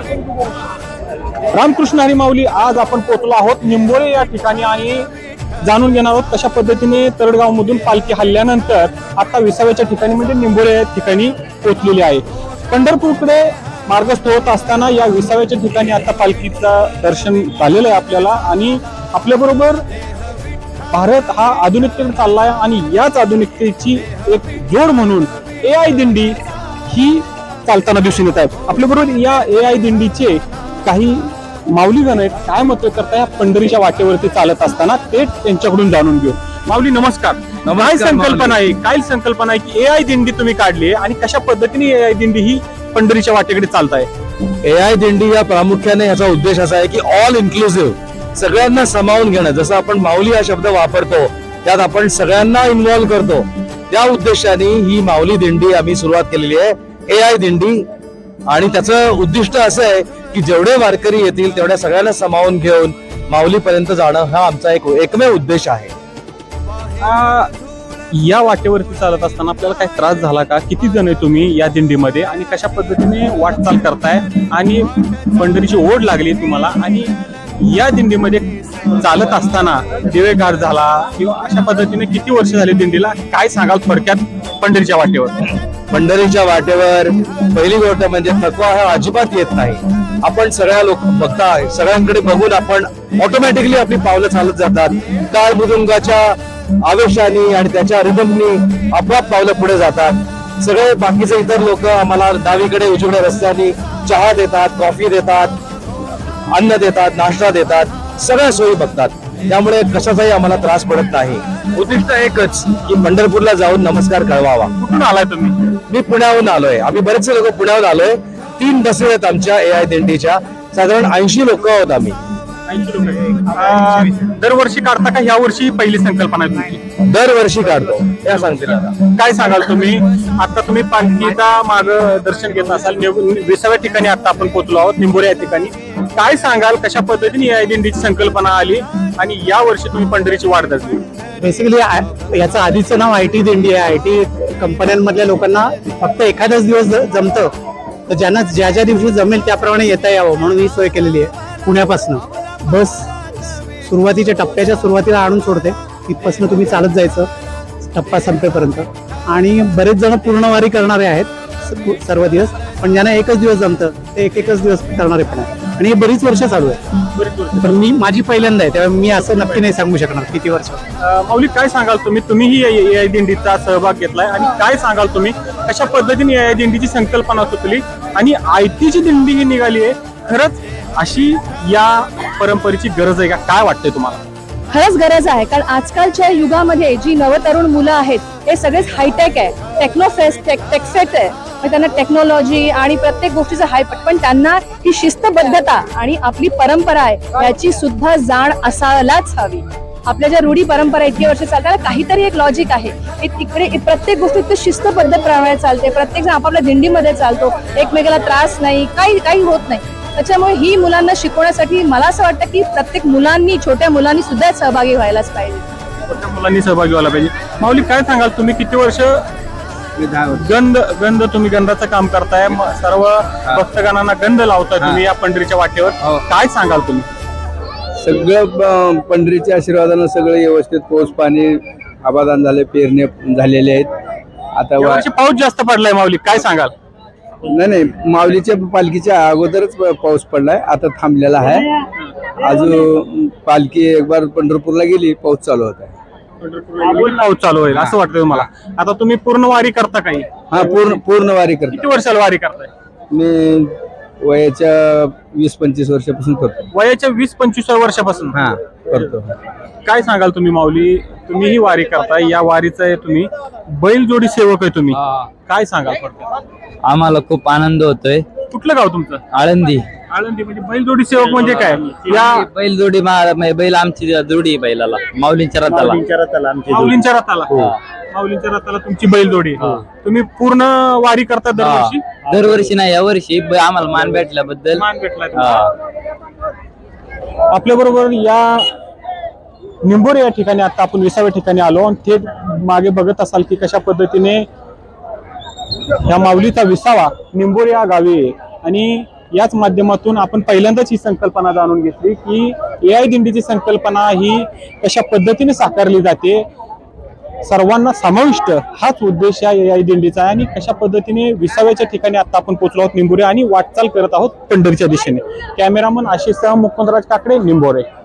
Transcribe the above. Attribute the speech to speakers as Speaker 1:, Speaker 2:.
Speaker 1: रामकृष्ण हरी माऊली. आज आपण पोहोचलो आहोत निंबोरे या ठिकाणी आणि जाणून घेणार आहोत कशा पद्धतीने तरडगाव मधून पालखी हल्ल्यानंतर आता विसाव्याच्या ठिकाणी म्हणजे निंबोरे या ठिकाणी पोहोचलेली आहे. पंढरपूरकडे मार्गस्थ होत असताना या विसाव्याच्या ठिकाणी आता पालखीचं दर्शन झालेलं आहे आपल्याला. आणि आपल्याबरोबर भारत हा आधुनिकतेकडे चालला आहे आणि याच आधुनिकतेची एक जोड म्हणून AI दिंडी ही चालताना दिसून येत आहेत. आपल्याबरोबर या AI दिंडीचे काही माऊलीगण आहेत. काय मत करताय पंढरीच्या वाटेवरती चालत असताना ते त्यांच्याकडून जाणून घेऊ. माऊली नमस्कार. काय संकल्पना आहे, काय संकल्पना आहे की AI दिंडी तुम्ही काढली आणि कशा पद्धतीने AI दिंडी ही पंढरीच्या वाटेकडे चालताय?
Speaker 2: AI दिंडी या प्रामुख्याने याचा उद्देश असा आहे की ऑल इन्क्लुसिव्ह, सगळ्यांना सामावून घेणं. जसं आपण माऊली हा शब्द वापरतो त्यात आपण सगळ्यांना इन्व्हॉल्व करतो. त्या उद्देशाने ही माऊली दिंडी आम्ही सुरुवात केलेली आहे, AI दिंडी. आणि त्याचं उद्दिष्ट असं आहे की जेवढे वारकरी येतील तेवढ्या सगळ्यांना सामावून घेऊन माऊलीपर्यंत जाणं हा आमचा एकमेव उद्देश आहे.
Speaker 1: या वाटेवरती चालत असताना आपल्याला काही त्रास झाला का? किती जण आहे तुम्ही या दिंडीमध्ये आणि कशा पद्धतीने वाटचाल करताय आणि पंढरीची ओढ लागली तुम्हाला आणि या दिंडीमध्ये चालत असताना दिवेघाट झाला किंवा अशा पद्धतीने किती वर्ष झाली दिंडीला? काय सांगाल थोडक्यात पंढरीच्या वाटेवर?
Speaker 2: पंढरीच्या वाटेवर पहिली गोष्ट म्हणजे थकवा हा अजिबात येत नाही. आपण सगळ्या लोक बघताय, सगळ्यांकडे बघून आपण ऑटोमॅटिकली आपली पावलं चालत जातात. टाळ मृदुंगाच्या आवेशाने आणि त्याच्या रिदमनी आपोआप पावलं पुढे जातात. सगळे बाकीचे इतर लोक आम्हाला डावीकडे उजव्या रस्त्याने चहा देतात, कॉफी देतात, अन्न देतात, नाश्ता देतात, सगळ्या सोयी बघतात. त्यामुळे कशाचाही आम्हाला त्रास पडत नाही. उद्दिष्ट एकच की पंढरपूरला जाऊन नमस्कार कळवावा.
Speaker 1: कुठून आलाय तुम्ही?
Speaker 2: मी पुण्याहून आलोय. आम्ही बरेचसे लोक पुण्याहून आलोय. 3 बसेस आहेत आमच्या AI दिंडीच्या. साधारण 80 लोक आहोत आम्ही.
Speaker 1: दरवर्षी काढता का? ह्या वर्षी पहिली संकल्पना आहे तुमची?
Speaker 2: दरवर्षी काढतो. त्या सांगतील आता.
Speaker 1: काय सांगाल तुम्ही? आता तुम्ही पालखीचा माग दर्शन घेत असाल, विसाव्या ठिकाणी आता आपण पोहोचलो आहोत निंबोरे या ठिकाणी. काय सांगाल कशा पद्धतीने या दिंडीची संकल्पना आली आणि या वर्षी तुम्ही पंढरीची वाट धरली?
Speaker 3: बेसिकली याचं आधीचं नाव IT दिंडी आहे. IT कंपन्यांमधल्या लोकांना फक्त एखादाच दिवस जमतं, तर ज्यांना ज्या ज्या दिवशी जमेल त्याप्रमाणे येता यावं म्हणून ही सोय केलेली आहे. पुण्यापासून बस सुरुवातीच्या टप्प्याच्या सुरुवातीला आणून सोडते, तिथपासून तुम्ही चालत जायचं टप्पा संपेपर्यंत. आणि बरेच जण पूर्णवारी करणारे आहेत सर्व दिवस, पण ज्यांना एकच दिवस जमतं ते एकच दिवस करणारे पण आहे. आणि हे बरीच वर्ष चालू आहे. पण माझी पहिल्यांदा आहे, त्यामुळे मी असं नक्की नाही सांगू शकणार किती वर्ष.
Speaker 1: माऊली काय सांगाल तुम्हीही AI दिंडीचा सहभाग घेतलाय आणि काय सांगाल तुम्ही कशा पद्धतीने AI दिंडीची संकल्पना सुचली आणि IT दिंडी ही निघाली आहे? खरंच अशी या परंपरेची गरज आहे का? काय वाटतंय तुम्हाला?
Speaker 4: खरंच गरज आहे, कारण आजकालच्या युगामध्ये जी नवतरुण मुलं आहेत हे सगळेच हायटेक आहे, टेक्फेट आहे. त्यांना टेक्नॉलॉजी आणि प्रत्येक गोष्टीचं हायपट, पण त्यांना ही शिस्तबद्धता आणि आपली परंपरा आहे याची सुद्धा जाण असायलाच हवी. आपल्या ज्या रूढी परंपरा इतकी वर्ष चालतात, काहीतरी एक लॉजिक आहे. तिकडे प्रत्येक गोष्टीत शिस्तबद्ध प्रमाणे चालते, प्रत्येक जण आपापल्या दिंडीमध्ये चालतो, एकमेकाला त्रास नाही, काही होत नाही. त्याच्यामुळे ही मुलांना शिकवण्यासाठी मला असं वाटतं की प्रत्येक मुलांनी, छोट्या मुलांनी सुद्धा सहभागी व्हायलाच पाहिजे.
Speaker 1: छोट्या मुलांनी सहभागी व्हायला पाहिजे. माऊली काय सांगाल तुम्ही किती वर्ष गंध तुम्ही गंधाचं काम करताय, सर्व भक्तगणांना गंध लावताय तुम्ही या पंढरीच्या वाटेवर, काय सांगाल तुम्ही?
Speaker 5: सगळं पंढरीच्या आशीर्वादानं सगळं व्यवस्थित पाऊस पाणी आबादान झाले, पेरणे झालेले आहेत. आता
Speaker 1: पाऊस जास्त पडलाय माऊली, काय सांगाल?
Speaker 5: नाही, माऊलीच्या पालखीच्या अगोदरच पाऊस पडलाय, आता थांबलेला आहे. अजून पालखी एक बार पंढरपूरला गेली, पाऊस चालू होता.
Speaker 1: पाऊस चालू होईल असं वाटतं तुम्हाला? आता तुम्ही पूर्ण वारी करता काही?
Speaker 5: हा, पूर्ण वारी करतो.
Speaker 1: किती वर्षाला वारी करताय?
Speaker 5: मी वयाच्या 20-25 वर्षापासून करतो.
Speaker 1: वयाच्या 20-25 वर्षापासून
Speaker 5: हा करतो.
Speaker 1: काय सांगाल तुम्ही माऊली? तुम्ही ही वारी करताय, या वारीचा आहे तुम्ही बैलजोडी सेवक आहे तुम्ही, काय सांगाल?
Speaker 6: आम्हाला खूप आनंद होतोय.
Speaker 1: कुठलं गाव तुमचं?
Speaker 6: आळंदी.
Speaker 1: आळंदी. म्हणजे बैलजोडी सेवक म्हणजे काय? या
Speaker 6: बैलजोडी बैल आमची जोडी बैलाला माऊलींच्या रथाला.
Speaker 1: माऊलींच्या रथाला तुमची बैलजोडी. तुम्ही पूर्ण वारी करता दरवर्षी?
Speaker 6: दरवर्षी नाही, या वर्षी आम्हाला मान भेटल्याबद्दल
Speaker 1: मान भेटला. आपल्या बरोबर या निंबोरे या ठिकाणी आता आपण विसाव्या ठिकाणी आलो आणि थेट मागे बघत असाल की कशा पद्धतीने या माऊलीचा विसावा निंबोरे या गावी आणि याच माध्यमातून आपण पहिल्यांदाच ही संकल्पना जाणून घेतली की AI दिंडीची संकल्पना ही कशा पद्धतीने साकारली जाते, सर्वांना समाविष्ट हाच उद्देश या AI दिंडीचा आहे आणि कशा पद्धतीने 20व्या ठिकाणी आता आपण पोहोचलो आहोत निंबोरे आणि वाटचाल करत आहोत पंढरीच्या दिशेने. कॅमेरामन आशिषसह मुकुंदराज काकडे, निंबोरे.